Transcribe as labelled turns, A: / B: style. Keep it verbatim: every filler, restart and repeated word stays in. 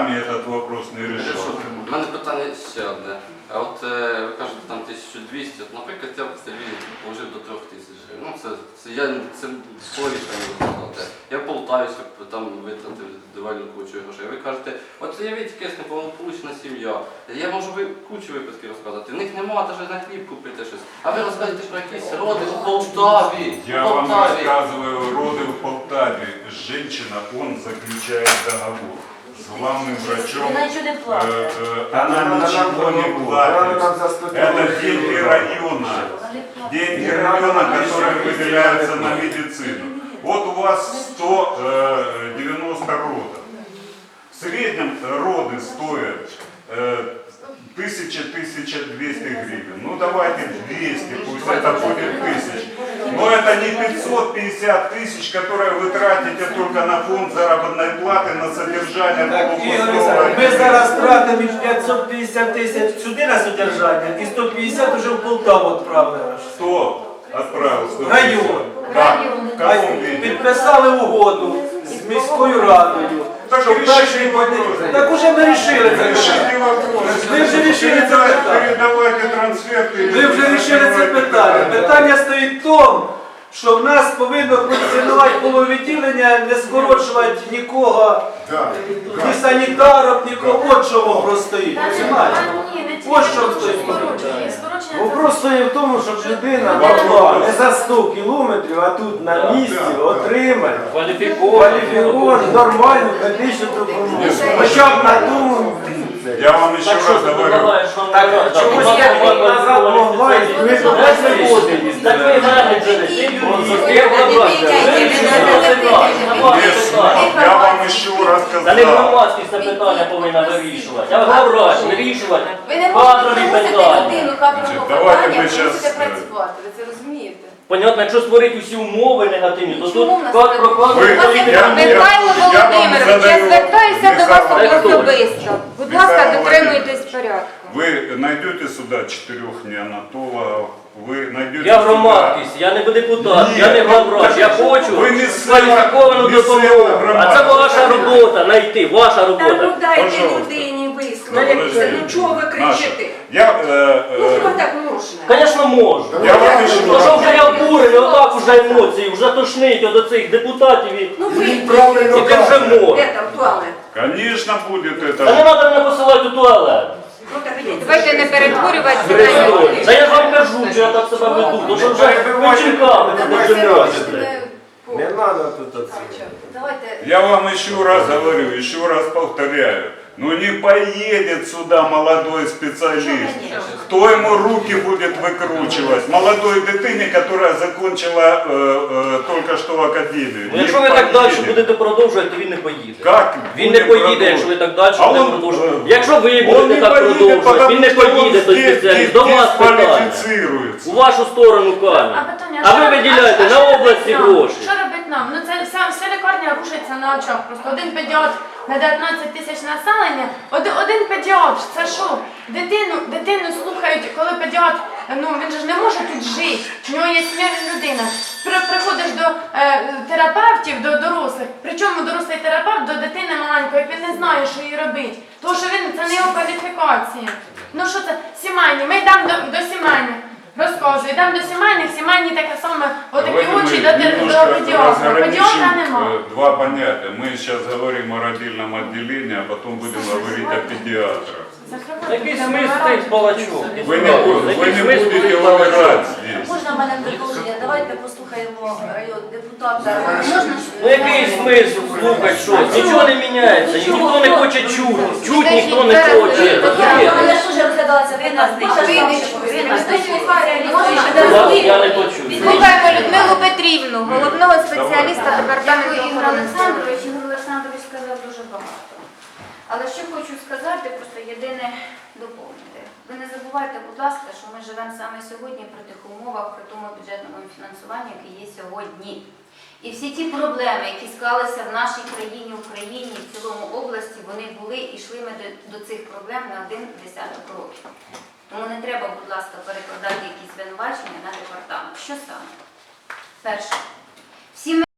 A: сами этот вопрос не решат.
B: У мене питання ще одне. А от е, ви кажете, там тисяча двісті, от, наприклад, я в селі положив до трьох тисяч гривень. Ну, це, це, я, це половина не сказати. Я в Полтаві, щоб там витратив дивальну кучу грошей. Ви кажете, от уявіть якась неповнополучна сім'я. Я можу ви кучу випадків розказати. В них немає навіть на хліб купити щось. А ви розказуєте про якісь роди в Полтаві.
A: Я
B: в
A: вам
B: Полтаві.
A: рассказываю роды в Полтаве. Женщина, он заключает договор с главным врачом.
C: Она ничего не платит.
A: Э, э, Она ничего не платит. Это деньги района. Деньги района, которые выделяются на медицину. Вот у вас сто девяносто родов. В среднем роды стоят тысяча — тысяча двести гривен. Ну давайте двести, пусть это будет тысяч. Но это не пятьсот пятьдесят тысяч, которые вы тратите только на фонд заработной платы, на содержание полупустого.
D: Ми зараз тратимо п'ятсот п'ятдесят тисяч сюди на содержання і сто п'ятдесят вже в Полтаву відправили.
A: Кто отправил? сто пятьдесят?
D: Район.
A: Как? В каком виде?
D: Підписали угоду з міською радою.
A: Так
D: що
A: решите
D: перший
A: вопрос.
D: буде- Так уже ми рішили це
A: Решите
D: питання.
A: вопрос.
D: Ви вже рішили це
A: Передавайте-
D: питання.
A: Передавайте трансферты.
D: Ви вже рішили це питання. Питання стоїть в тому, що в нас повинно функціонувати половідділення, не скорочувати нікого, ні санітарок, нікого. От що вопрос стоїть. Розумієте? Ось що стоїть.
E: Вопрос стоїть в тому, щоб людина могла не за сто кілометрів, а тут на місці отримати кваліфіковану, нормальну медичну допомогу. Хоча б на тому.
A: Я вам еще раз говорю.
E: Так чомусь я рік назад могла і ви до нас не ходили.
F: Так ви менеджери, ти
A: Я вам еще раз
F: Та не
A: сказал.
F: громадськість це питання повинна вирішувати, а главврач вирішувати
C: Ви не
F: кадрові
C: можете примусити
F: питання.
C: людину кадрового
A: давайте ми
C: питання,
A: щас,
C: мусите
A: е,
C: працювати, ви це розумієте?
F: Понятно, якщо створити усі умови негативні, то тут
C: Чому в нас
F: як
C: так?
F: про кадрові
A: Ви-
F: політику.
A: я-
G: Михайло
A: я вам
G: Володимирович, я
A: задаю-
G: звертаюся до вас
A: Михайло
G: особисто. Будь ласка,
A: Михайло
G: дотримуйтесь порядку.
A: Вы найдете сюда четырех неонатологов, вы найдете
F: Я
A: сюда-
F: громадськість, я не депутат,
A: Ні,
F: я не главврач, я хочу
A: ви місцева-
F: кваліфіковану
A: місцева
F: допомогу. А
A: громада.
F: це ваша робота, знайти, ваша
H: Та ну
F: робота.
H: дайте
A: Пожалуйста.
H: людині
A: Ну,
H: висловитися,
A: подожди.
H: ну чого ви кричите?
A: Наша. Я, э,
H: Ну
A: э,
H: хіба так можна?
F: Звісно, можу.
A: я вам еще
F: То що
A: раз
F: вже я обурений, отак уже емоції, вже тошнить от цих депутатів і
H: Ну ви
F: і ти вже можеш.
H: де там туалет?
A: Конечно, будет
F: Та не
A: это.
F: треба мене посилати у туалет.
H: Ну так ідіть.
G: Давайте не перетворювати себе.
F: Брестоні. Та я ж вам кажу, що я так себе веду, тому що вже вечірками не
C: Давайте
F: держимося.
C: не-
E: Не треба тут оце.
C: Давайте.
A: Я вам еще раз говорю, еще раз повторяю. Ну не поедет сюда молодой специалист. Кто ему руки будет выкручивать? Молодой дитине, которая закончила э, э, только что в академию.
F: Ну,
A: Не
F: якщо ви так далі
A: поедет.
F: будете продовжувати, то він не поїде.
A: Как?
F: Він не
A: будет
F: поїде,
A: продолжить?
F: якщо ви так далі
A: А
F: будете
A: он,
F: продовжувати.
A: э,
F: Якщо ви
A: Он
F: будете
A: не
F: так
A: поедет,
F: продовжувати, він не
A: потому что
F: поїде,
A: он
F: той
A: здесь
F: спеціаліст. До вас питання.
A: дисквалифицируется.
F: У вашу сторону камінь.
I: А питання,
F: А
I: що
F: ви
I: роб-
F: виділяєте
I: а що
F: на
I: робить
F: області
I: нам?
F: гроші.
I: Що робить нам? Ну це вся, вся лікарня рушиться на очах. Просто один педіатр на дев'ятнадцять тисяч населення. Один, один педіатр, це що? Дитину, дитину слухають, коли педіатр, ну він же ж не може тут жити. В нього є смерть людина. При, приходиш до е, терапевтів, до дорослих. Причому дорослий терапевт до дитини маленької, він не знає, що їй робити. Тому що він це не його кваліфікація. Ну що це? Сімейні. Ми йдемо до, до сімейних. Розказую, йдемо до сімейних, сімейні таке саме, отакі
A: Давайте
I: очі
A: мы
I: до, тер- до
A: немножко
I: педіатра. Педіатра
A: разграничим,
I: нема.
A: э, два понятия. Мы сейчас говорим о родильном отделении, а потом будем говорить о педиатрах.
F: Який смисл цих балачок?
A: Вы не, бу- вы не будете выбирать здесь.
C: Можна в мене продовження? Давайте послухаємо район депутата. Можна?
F: Ну який смисл слухати щось? Нічого не міняється, ніхто не хоче чути. Чуть ніхто не хоче.
C: Я теж розглядалася в нас.
F: Я не почую.
G: Слухаємо Людмилу Петрівну, головного спеціаліста
C: Дякую,
G: департаменту
C: Ігор
G: охорони здоров'я.
C: Олександрович. Ігор Олександрович сказав дуже багато. Але що хочу сказати, просто єдине доповнити. Ви не забувайте, будь ласка, що ми живемо саме сьогодні при тих умовах, при тому бюджетному фінансуванні, яке є сьогодні. І всі ті проблеми, які склалися в нашій країні, Україні, в цілому області, вони були і йшли ми до, до цих проблем на один десяток років. Тому не треба, будь ласка, перекладати якісь звинувачення на департамент. Що саме? Перше. Всі ми